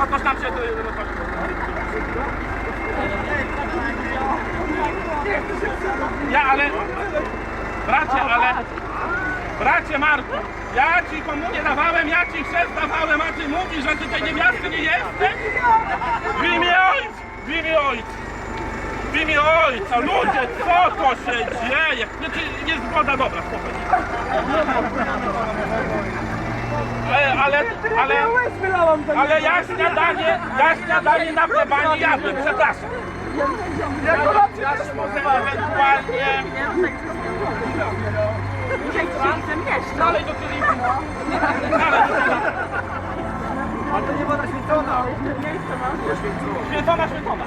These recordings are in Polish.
toż nam się... Ja, ale... Bracie Marku, ja ci komunię dawałem, ja ci chrzest dawałem, a ty mówisz, że ty tej niewiasty nie jesteś? W imię Ojca! W imię Ojca! W imię Ojca! Ludzie, co to się dzieje? Znaczy, jest zgoda, dobra, spokojnie. Ale ja śniadanie na plebanii jadłem, przepraszam. Ja się może ewentualnie... Dalej do telewizji. A to nie woda święcona. Święcona.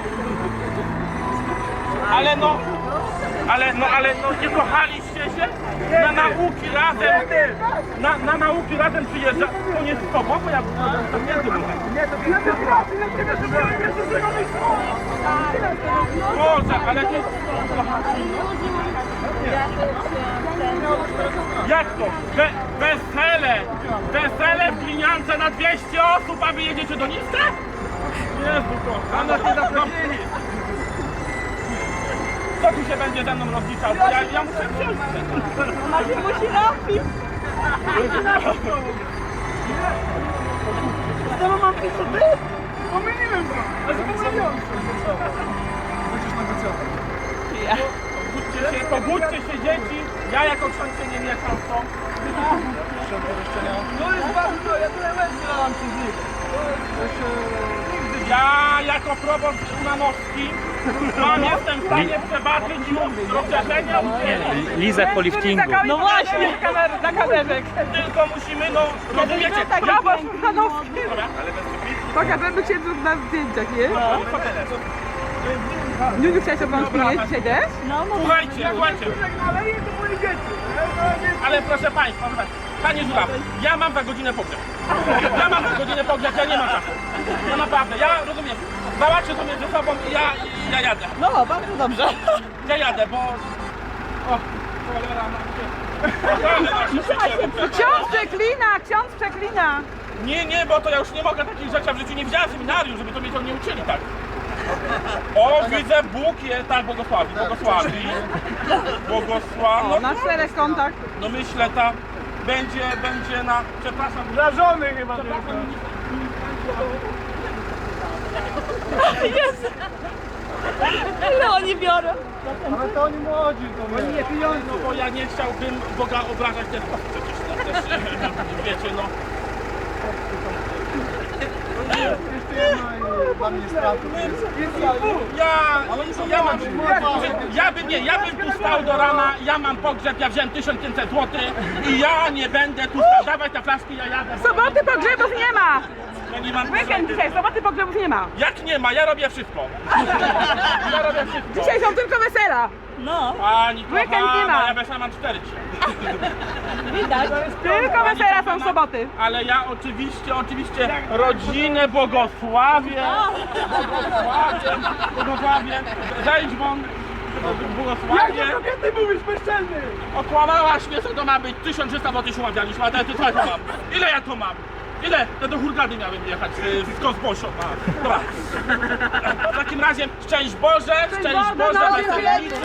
Ale nie kochaliście się? Na nauki razem, na nauki razem przyjeżdża. To nie z tobą, bo ja tam nie byłem. Nie, to Boże, ale ty... Jak to? Wesele w Gliniance na 200 osób, a wy jedziecie do Niska? Jezu, a nas nie zaprosili. Kto tu się będzie ze mną rozliczał? Ja muszę wziąć. Maciej musi napić. Znowu mam pić, co ty? Pomyliłem go. A zapomniałem. Będziesz negocjował. Pobudźcie się dzieci, ja jako ksiądz się nie mieszam w to. To jest bardzo, ja tyle łez wylałam przez nich. Ja jako proboszcz Umanowski jestem w stanie przebaczyć rozszerzenie udzieli. Liza po liftingu. No właśnie, na kamerek. Tylko musimy, no, rozumiecie? Proboszcz Umanowski. Dobra, ale bez Pokażemy się tu na zdjęciach, nie? Niuniu, chciałeś obrączki mieć dzisiaj też? No, Słuchajcie, Ale nie, to moje dzieci. ale proszę Państwa, Panie Żuraw, ja mam za godzinę pogrzeb. Ja nie mam czasu. Ja naprawdę, ja rozumiem, załatwię to między sobą i ja jadę. No, bardzo dobrze. Ja jadę, bo... O, cholera, Ksiądz przeklina. Nie, bo to ja już nie mogę takich rzeczy, ja w życiu nie widziałem seminarium, żeby to mnie to nie uczyli tak. O, widzę, Bóg je, tak, błogosławi. O, na 4 kontach. No myślę, będzie na, przepraszam, Wrażony chyba. Jezu. Ile oni biorą? Ale to oni młodzi, to oni nie pieniądze. no bo ja nie chciałbym Boga obrażać też, przecież no, też, wiecie, no. Jeszcze jedna i dla mnie strata. Ja bym tu stał do rana, ja mam pogrzeb, ja wziąłem 1500 zł i ja nie będę tu stał. Dawaj te flaszki, ja jadę. Soboty pogrzebów nie ma. Ja nie mam Weekend dzisiaj, soboty pogrzebów nie ma. Jak nie ma? Ja robię wszystko. Dzisiaj są tylko wesela. Pani Weekend nie kochana, ma. ja wesela mam 4 dzisiaj. Tylko wesela są w soboty. Ale ja oczywiście rodzinę błogosławię. Błogosławię. Zejdź won. Błogosławię. Kobiety mówisz bezczelny. Okłamałaś mnie, co to ma być? 1300 zł się umawialiśmy, a teraz co ja to mam? Ile ja to mam? Ile? Ja do Hurgady miałem jechać z Kozbosią. Dobra. W takim razie szczęść Boże, Boże, no, weselnicy.